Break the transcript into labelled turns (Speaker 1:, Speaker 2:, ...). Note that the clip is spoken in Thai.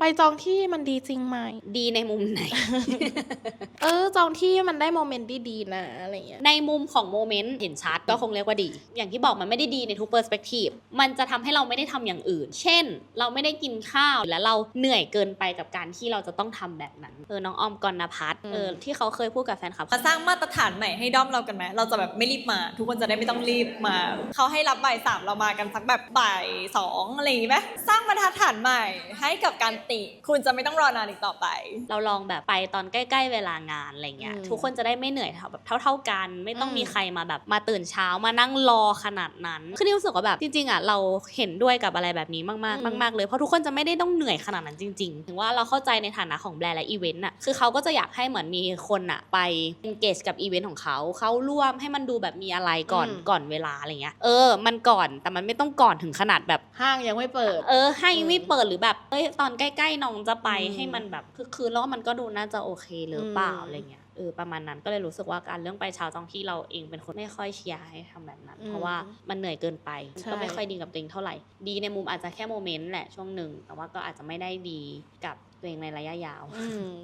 Speaker 1: จองที่มันดีจริงไหม
Speaker 2: ดีในมุมไหน
Speaker 1: จองที่มันได้โมเมนต์ดีๆนะอะไรเงี้ย
Speaker 2: ในมุมของโมเมนต์เห็นชัดก็คงเรียกว่าดีอย่างที่บอกมันไม่ได้ดีในทุกเปอร์สเปกทีฟมันจะทำให้เราไม่ได้ทำอย่างอื่นเช่นเราไม่ได้กินข้าวและเราเหนื่อยเกินไปกับการที่เราจะต้องทำแบบนั้นน้องออมกรณพัฒน์ที่เขาเคยพูดกับแฟนคลับ
Speaker 3: มาสร้างมาตรฐานใหม่ให้ด้อมเรากันไหมเราจะแบบไม่รีบมาทุกคนจะได้ไม่ต้องรีบมาเขาให้รับบ่าย3เรามากันสักแบบบ่าย2อะไรอย่างงี้ไหมสร้างมาตรฐานใหม่ให้กับการติคุณจะไม่ต้องรอนานอีกต่อไป
Speaker 2: เราลองแบบไปตอนใกล้ๆเวลางานอะไรเงี้ยทุกคนจะได้ไม่เหนื่อยแบบเท่ากันไม่ต้องมีใครมาแบบมาตื่นเช้ามานั่งรอขนาดนั้นคือนี่รู้สึกว่าแบบจริงๆอ่ะเราเห็นด้วยกับอะไรแบบนี้มากๆมากๆเลยเพราะทุกคนจะไม่ได้ต้องเหนื่อยขนาดนั้นจริงๆถึงว่าเราเข้าใจในฐานะของแบรนด์และอีเวนต์อ่ะคือเขาก็จะอยากให้เหมือนมีคนอ่ะไป engage กับอีเวนต์ของเขาร่วมให้มันดูแบบมีอะไรก่อนเวลาอะไรเงี้ยมันก่อนแต่มันไม่ต้องก่อนถึงขนาดแบบ
Speaker 1: ห้างยังไม่เปิด
Speaker 2: ให้ไม่เปิดหรือแบบตอนใกล้ๆน้องจะไปให้มันแบบคือแล้วมันก็ดูน่าจะโอเคหรือเปล่าอะไรเงี้ยประมาณนั้นก็เลยรู้สึกว่าการเรื่องไปเช้าจองที่เราเองเป็นคนไม่ค่อยเชียร์ให้ทำแบบนั้นเพราะว่ามันเหนื่อยเกินไปก็ไม่ค่อยดีกับตัวเองเท่าไหร่ดีในมุมอาจจะแค่โมเมนต์แหละช่วงหนึ่งแต่ว่าก็อาจจะไม่ได้ดีกับตัวเองในระยะยาว